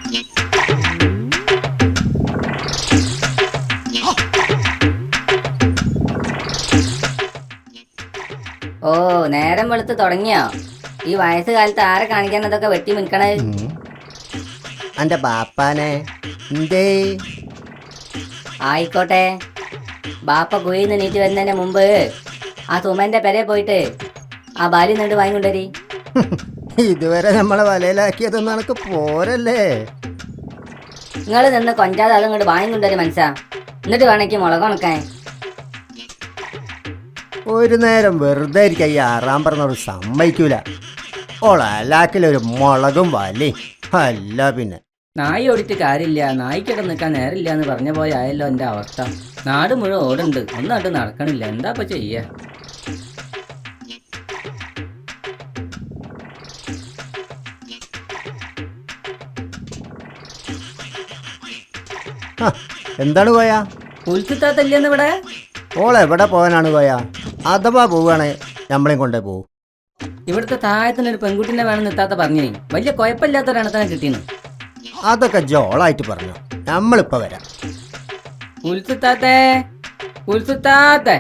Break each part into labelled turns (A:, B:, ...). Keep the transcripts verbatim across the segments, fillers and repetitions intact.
A: ഓ നേരം വെളുത്ത് തുടങ്ങിയോ? ഈ വയസ്സുകാലത്ത് ആരെ കാണിക്കാൻ അതൊക്കെ വെട്ടി മിൽക്കണേ?
B: അന്റെ ബാപ്പാനെ എന്തേ?
A: ആയിക്കോട്ടെ, ബാപ്പ കുയിന്ന് നീറ്റ് വരുന്നതിന് മുമ്പ് ആ സുമന്റെ പെരെ പോയിട്ട് ആ ബാലി നീണ്ട് വാങ്ങിക്കൊണ്ടരി.
B: ഇതുവരെ നമ്മളെ വലയിലാക്കിയതൊന്നും എനക്ക് പോരല്ലേ?
A: നിങ്ങൾ നിന്ന് കൊഞ്ചാതെ അതും ഇങ്ങോട്ട് വാങ്ങിക്കൊണ്ടരി മനസ്സാ. എന്നിട്ട് വേണമെങ്കിൽ മുളക് ഉണക്കാൻ.
B: ഒരു നേരം വെറുതെ ഇരിക്കാൻ ഈ ആറാം പറഞ്ഞോട് സമ്മതിക്കൂല. ഓളാക്കിലൊരു മുളകും വലി അല്ല. പിന്നെ
A: നായി ഓടിയിട്ട് കാര്യമില്ല, നായിക്കൊക്കെ നിൽക്കാൻ നേരില്ല എന്ന് പറഞ്ഞ പോലെ ആയല്ലോ എൻ്റെ അവസ്ഥ. നാട് മുഴുവൻ ഓടുണ്ട്, ഒന്നായിട്ട് നടക്കണില്ല. എന്താ ഇപ്പൊ ചെയ്യ?
B: എന്താണ് കോയ?
A: ഉൽക്കിത്താത്തല്ലെന്ന് ഇവിടെ.
B: ഓളെവിടെ പോകാനാണ് കോയ? അഥവാ പോവുകയാണെ നമ്മളെയും കൊണ്ടേ പോവും.
A: ഇവിടുത്തെ താഴത്തിനൊരു പെൺകുട്ടിനെ വേണം നിർത്താത്ത പറഞ്ഞേ. വലിയ കുഴപ്പമില്ലാത്തൊരെണ്ണത്തിനെ കിട്ടീന്ന്.
B: അതൊക്കെ ജോളായിട്ട് പറഞ്ഞു. നമ്മളിപ്പോ വരാം.
A: ഉൽസുത്താത്തേ, ഉൽസുത്താത്തേ.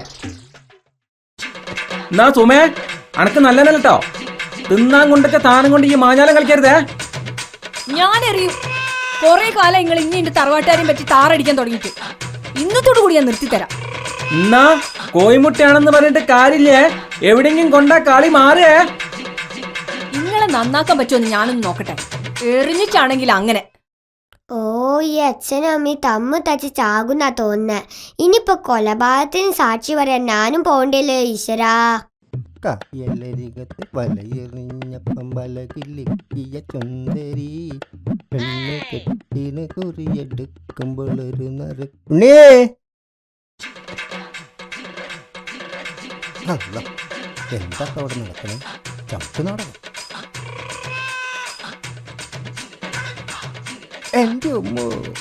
C: എന്നാ സുമേ, അനക്ക് നല്ലതല്ലോ. തിന്നാൻ കൊണ്ടൊക്കെ താനം കൊണ്ട് ഈ മാഞ്ഞാലം കളിക്കരുതേ.
D: ഞാനറിയും കൊറേ കാലം നിങ്ങൾ ഇനി എന്റെ തറവാട്ടുകാരെയും പറ്റി താറടിക്കാൻ തുടങ്ങിയിട്ട്. ഇന്നത്തോടു കൂടി ഞാൻ നിർത്തിത്തരാം.
C: എന്നാ കോയിമുട്ടയാണെന്ന് പറഞ്ഞിട്ട് കാര്യമില്ലേ? എവിടെയെങ്കിലും കൊണ്ടാ കളി മാറിയേ.
D: നിങ്ങളെ നന്നാക്കാൻ പറ്റുമെന്ന് ഞാനൊന്ന് നോക്കട്ടെ. എറിഞ്ഞിട്ടാണെങ്കിൽ അങ്ങനെ.
E: ഓ, ഈ അച്ഛനും അമ്മയും തമ്മ് തച്ച് ചാകുന്നാ തോന്നുന്നേ. ഇനിയിപ്പൊ കൊലപാതകത്തിന് സാക്ഷി പറയാൻ ഞാനും പോണ്ടല്ലേ ഈശ്വരാ.
B: കയ്യലരികത്ത് വലയെറിഞ്ഞപ്പം വലകിലിക്കിയ ചുന്ദരി പെണ്ണ് കെട്ടിന് കുറിയെടുക്കുമ്പോൾ ഒരു നറ് ഉണ്ണേ. എന്താ അവിടെ നടക്കണേ? ചത്തു നാടകം. എന്റെ ഉമ്മ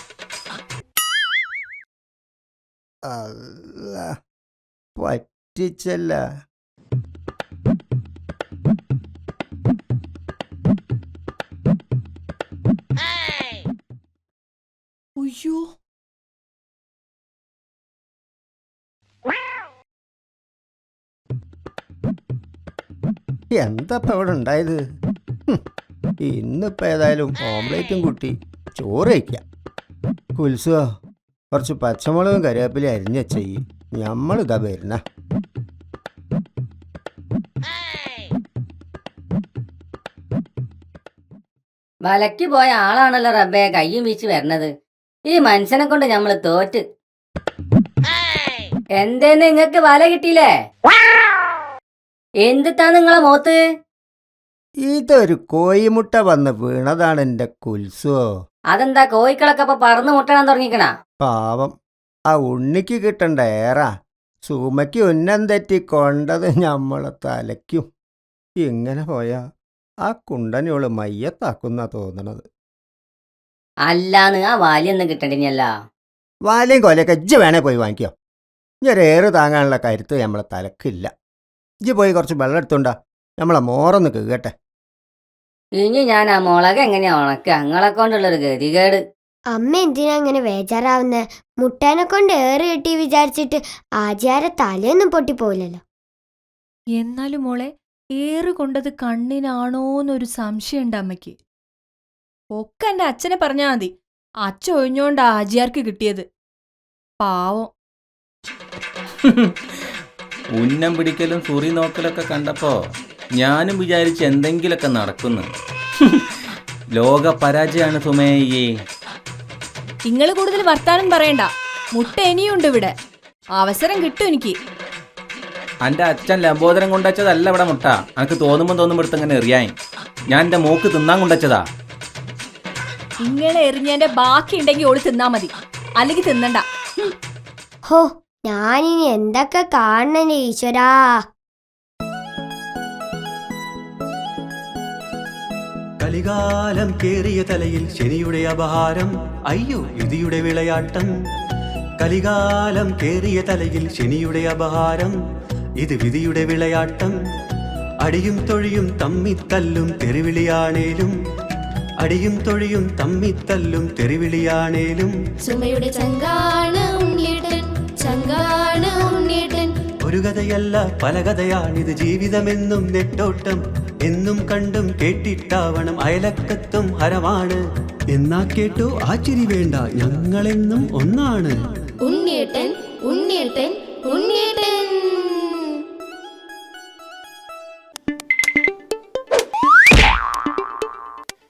B: അല്ല പറ്റിച്ചല്ല.
D: അയ്യോ,
B: എന്താ ഇവിടെ ഉണ്ടായത്? ഇന്നിപ്പോ ഏതായാലും ഓംലേറ്റും കൂട്ടി ചോറ് വയ്ക്കാം. കുൽസോ, കുറച്ച് പച്ചമുളകും കറിവേപ്പിലയും അരിഞ്ഞ ചെയ്യും. നമ്മളിതാ വരുന്ന.
A: വലക്ക് പോയ ആളാണല്ലോ റബ്ബേ കയ്യും വീശി വരണത്. ഈ മനുഷ്യനെ കൊണ്ട് ഞമ്മള് തോറ്റ്. എന്തേന്ന് നിങ്ങക്ക് വല കിട്ടിയില്ലേ? എന്തിട്ടാ നിങ്ങളെ മോത്ത്?
B: ഇതൊരു കോയിമുട്ട വന്ന് വീണതാണ് എന്റെ കുൽസോ.
A: അതെന്താ കോയിക്കളൊക്കെ ഇപ്പൊ പറന്ന് മുട്ടണം തുടങ്ങിക്കണ?
B: പാവം, ആ ഉണ്ണിക്ക് കിട്ടണ്ട ഏറാ. സുമയ്ക്ക് ഉന്നം തെറ്റി കൊണ്ടത് ഞമ്മളെ തലയ്ക്കും. ഇങ്ങനെ പോയാ ആ കുണ്ടനോള് മയ്യത്താക്കുന്ന തോന്നണത്.
A: അല്ലാന്ന് ആ വാലിയൊന്നും കിട്ടണ്ടിനല്ല.
B: വാലയും കൊലയൊക്കെ ഇജ്ജ് വേണേ പോയി വാങ്ങിക്കോ. ഇനി ഒരു ഏറ് താങ്ങാനുള്ള കരുത്ത് നമ്മളെ തലക്കില്ല. ഇജ്ജ് പോയി കുറച്ച് വെള്ളം എടുത്തോണ്ടാ, നമ്മളെ മോറൊന്ന് കേട്ടെ.
A: ഇനി ഞാൻ ആ മുളക് എങ്ങനെയാ ഉണക്ക? അങ്ങളെ കൊണ്ടുള്ളൊരു ഗതികേട്.
E: അമ്മ എന്തിനാ അങ്ങനെ വേജാറാവുന്നേ? മുട്ടേനെ കൊണ്ട് ഏറ് കെട്ടി വിചാരിച്ചിട്ട് ആചാര തലയൊന്നും പൊട്ടിപ്പോയില്ലല്ലോ.
D: എന്നാലും മോളെ, ഏറ് കൊണ്ടത് കണ്ണിനാണോന്നൊരു സംശയമുണ്ട് അമ്മയ്ക്ക്. ഒക്കെ എന്റെ അച്ഛനെ പറഞ്ഞാ മതി. അച്ഛൻ ഒഴിഞ്ഞോണ്ട് ആജിയാർക്ക് കിട്ടിയത്. പാവം.
C: ഉന്നം പിടിക്കലും സുറി നോക്കലൊക്കെ കണ്ടപ്പോ ഞാനും വിചാരിച്ച് എന്തെങ്കിലൊക്കെ നടക്കുന്നു. ലോക പരാജയാണ് സുമേയേ.
D: നിങ്ങൾ കൂടുതൽ വർത്താനം പറയണ്ട. മുട്ട ഇനിയുണ്ട് ഇവിടെ. അവസരം കിട്ടും എനിക്ക്.
C: എൻ്റെ അച്ഛൻ ലംബോദരം കൊണ്ടുവച്ചതല്ല ഇവിടെ മുട്ട. എനിക്ക് തോന്നുമ്പോൾ തോന്നുമ്പോൾ എടുത്ത് അങ്ങനെ എറിയാൻ. ഞാൻ എൻ്റെ മോക്ക് തിന്നാൻ കൊണ്ടുവച്ചതാ.
D: ഇങ്ങനെ എറിഞ്ഞതിന്റെ ബാക്കി ഉണ്ടെങ്കിൽ ഓള് തിന്നാ മതി, അല്ലെങ്കിൽ തിന്നണ്ട.
E: ഹോ, ഞാനിനി എന്തൊക്കെ കാണണേ ഈശ്വരാ.
F: കലികാലം കേറിയ തലയിൽ ശനിയുടെ അപഹാരം. അയ്യോ യുതിയുടെ വിളയാട്ടം. കലികാലം കേറിയ തലയിൽ ശനിയുടെ അപഹാരം. ഇത് വിധിയുടെ വിളയാട്ടം. അടിയും തൊഴിയും തമ്മിത്തല്ലും തെരുവിളിയാണേലും അടിയും തൊഴിയും തമ്മിത്തല്ലും തെറിവിളിയാണേലും
G: സുമയുടെ ചങ്കാണ് ഉണ്ണീട്ടൻ, ചങ്കാണ് ഉണ്ണീട്ടൻ.
F: ഒരു കഥയല്ല പല കഥയാണിത് ജീവിതമെന്നും നെട്ടോട്ടം. എന്നും കണ്ടും കേട്ടിട്ടാവണം അയലക്കത്തും ഹരമാണ്. എന്നാ കേട്ടോ ആ ചിരി വേണ്ട, ഞങ്ങളെന്നും ഒന്നാണ്.
G: ഉണ്ണീട്ടൻ, ഉണ്ണീട്ടൻ,